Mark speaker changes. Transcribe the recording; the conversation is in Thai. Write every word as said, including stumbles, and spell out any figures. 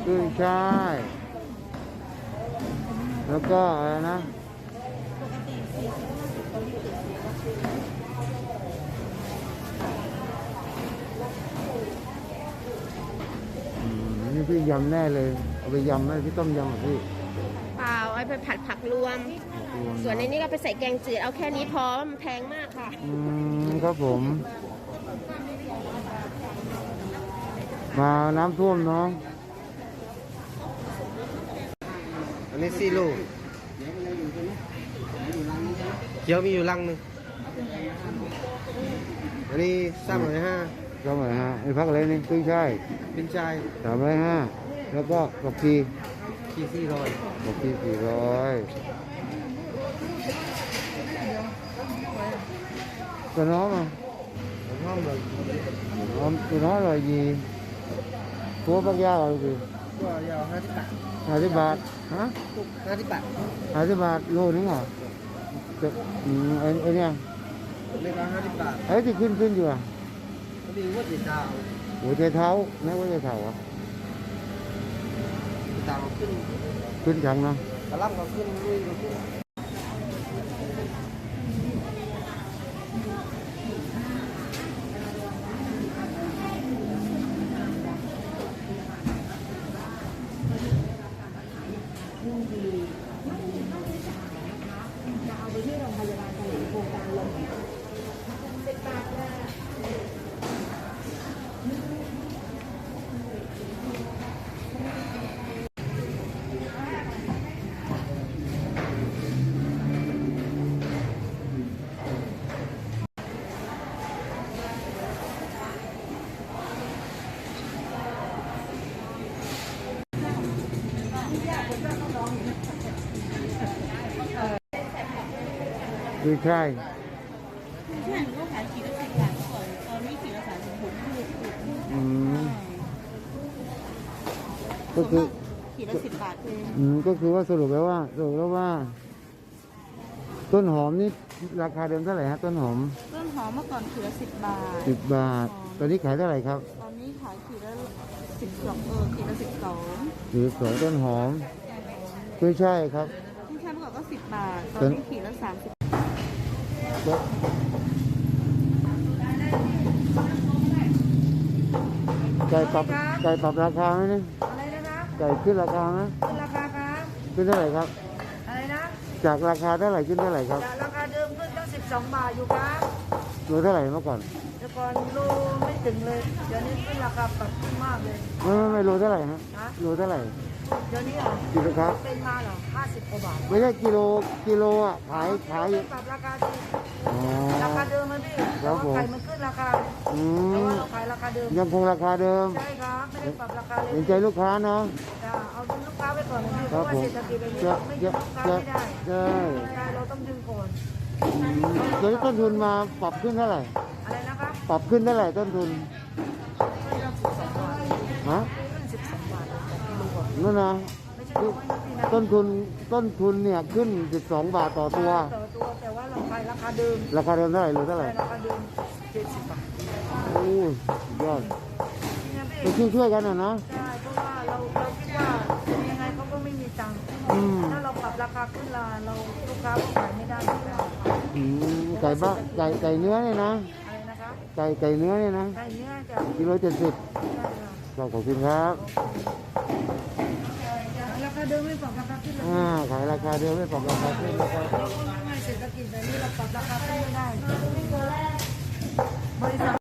Speaker 1: ขึ้นช่ายแล้วก็อะไรนะอืมนี่พี่ยำแน่เลยเอาไปยำไหมพี่ต้มยำเหรอพี่
Speaker 2: เปล่าเอาไปผัดผักรวมส่วนในนี้ก็ไปใส่แกงจืดเอาแค่นี้พอมันแพงมากค่ะ
Speaker 1: อืมครับผมมาน้ำท่วมน้อง
Speaker 3: อันนี้ซีโร่เขียวมีอยู่ลังหนึ่งอันนี้สามร้อยห้า
Speaker 1: ก็เหมือนฮะไอ้พักอะไรนี่ขึ้นช่าย
Speaker 3: เป็นชาย
Speaker 1: สามร้อยห้าแล้วก็กับพี
Speaker 3: ที่สี่ร้อย
Speaker 1: กับพีสี่ร้อยตัวน้องอ่ะ
Speaker 3: ห้องเลย
Speaker 1: น้องตัวน้องอร่อยดีตัวปักยาอะไรดี
Speaker 3: ก็ยาวห้าสิบบาท
Speaker 1: ห้าสิบบาทฮะ
Speaker 3: ห้าสิบบาท
Speaker 1: ห้าสิบบาทโลนึงเหรอจะอืมไอ้ไอ้เนี่ย
Speaker 3: เล็กละห้าสิบบาท
Speaker 1: ไอ้ที่ขึ้นขึ้นอยู่อ่ะ
Speaker 3: ก็มีวัดเท้า
Speaker 1: หัวใจเท้าแม่หัวใจเท้าอ่ะ
Speaker 3: เท้าขึ้น
Speaker 1: ขึ้นจังนะ
Speaker 3: กระลำก็ขึ้นลุยก็ขึ้น
Speaker 1: คือใช่
Speaker 2: ใช่ก็ขายขีดละสิบบาทก่อนตอนนี้ขีดละสามสิบหก
Speaker 1: อืมก็คือ
Speaker 2: ขีดละสิบบาทคือ
Speaker 1: อืมก็คือว่าสรุปแล้วว่าสรุปแล้วว่า ต้นหอมนี่ราคาเดิมเท่าไหร่ฮะต้นหอม
Speaker 2: ต้นหอมเมื่อก่อนขีดละสิบบาท
Speaker 1: สิบบาทตอนนี้ขายเท่าไหร่ครับ
Speaker 2: ตอนนี้ขายขีดละสิบสองเออขีดละสิบสอง
Speaker 1: สิบสองต้นหอมไม่ใช่ครับ
Speaker 2: ไม่ใช่เมื่อก่อนก็สิบบาทตอนนี้ขีดละสามสิบ
Speaker 1: ไก่ปรับไก่ปรับราคาไหมนี่
Speaker 2: อะไรนะคะ
Speaker 1: ไก่ขึ้นราคาไหม
Speaker 2: ขึ้นราคาครับ
Speaker 1: ขึ้นเท่าไหร่ครับ
Speaker 2: อะไรนะ
Speaker 1: จากราคาเท่าไหร่ขึ้นเท่าไหร่ครับ
Speaker 2: จากราคาเดิมขึ้นตั้งสิบสองบาทอยู่ครับ
Speaker 1: โลเท่าไหร่เมื่อก่อน
Speaker 2: แต่ก่อนโลไม่ถึงเลยเดี๋ยวนี้ขึ้นราคาปรับขึ้นมากเลย
Speaker 1: ไม่ไม่ไม่โลเท่าไหร่ฮะโลเท่าไหร่
Speaker 2: เดี๋ยวนี้เหรอ
Speaker 1: กิโลครับ
Speaker 2: เป็นมาเหรอห้าสิบกว่าบาท
Speaker 1: ไม่ใช่กิโลกิโลอ่ะขายขาย
Speaker 2: ปรับราคาสิราคาเดิมมันพี่แต่ว่าไก่มันขึ้นราคาแต่ว่าเราขายราคาเดิม
Speaker 1: ยังคงราคาเดิม
Speaker 2: ใช่ครับไม่ได้ปรับราคาเลย
Speaker 1: เห็นใจลูกค้าเนาะ
Speaker 2: จะเอาดึงลูกค้าไปก่อนนะพี่เพราะว่าเศรษฐกิจแบบนี้เราไม่ดึงลูกค้าไม่ได้
Speaker 1: ใช่
Speaker 2: ใช่เราต้องดึงก่อน
Speaker 1: เดี๋ยวต้นทุนมาปรับขึ้นเท่าไหร่
Speaker 2: อะไรนะครับ
Speaker 1: ปรับขึ้นเท่าไหร่ต้นทุนฮะ
Speaker 2: สิบสองบาทกิโลก่อน
Speaker 1: นั่นนะต้นทุนต้นทุนเนี่ยขึ้นสิบสองบาทต่อตัว
Speaker 2: ต่อตัวแต่ว่าเราขายราคาเดิม
Speaker 1: ราคาเดิมเท่าไหร่หรือเท่าไหร่
Speaker 2: ราคาเดิมเจ็ดสิบบาท
Speaker 1: โอ้ยอดไปช่วยช่วยกันนะนะ
Speaker 2: ใช่เพราะว่าเราเราคิดว่ายังไงเขาก็ไม่มีตังค์ถ้าเราปรับราคาขึ้นราเราลูกค้าก็ขายไม่ได้
Speaker 1: ไก่บ้าไก่ไก่เนื้อเนี่ยนะ
Speaker 2: อะไรนะคะ
Speaker 1: ไก่ไก่เนื้อเนี่ยนะ
Speaker 2: ไก่เนื้อจะ
Speaker 1: กิโลเจ็ดสิบขอบคุณครับ
Speaker 2: ราคาเดิมไม่ปรับราคาขึ้นเลย
Speaker 1: อ่าขายราคาเดิมไม่ปรับราคาขึ้นนะครับ
Speaker 2: เศรษฐกิจแบบนี้เราปรับราคาขึ้นไม่ได้บริษัท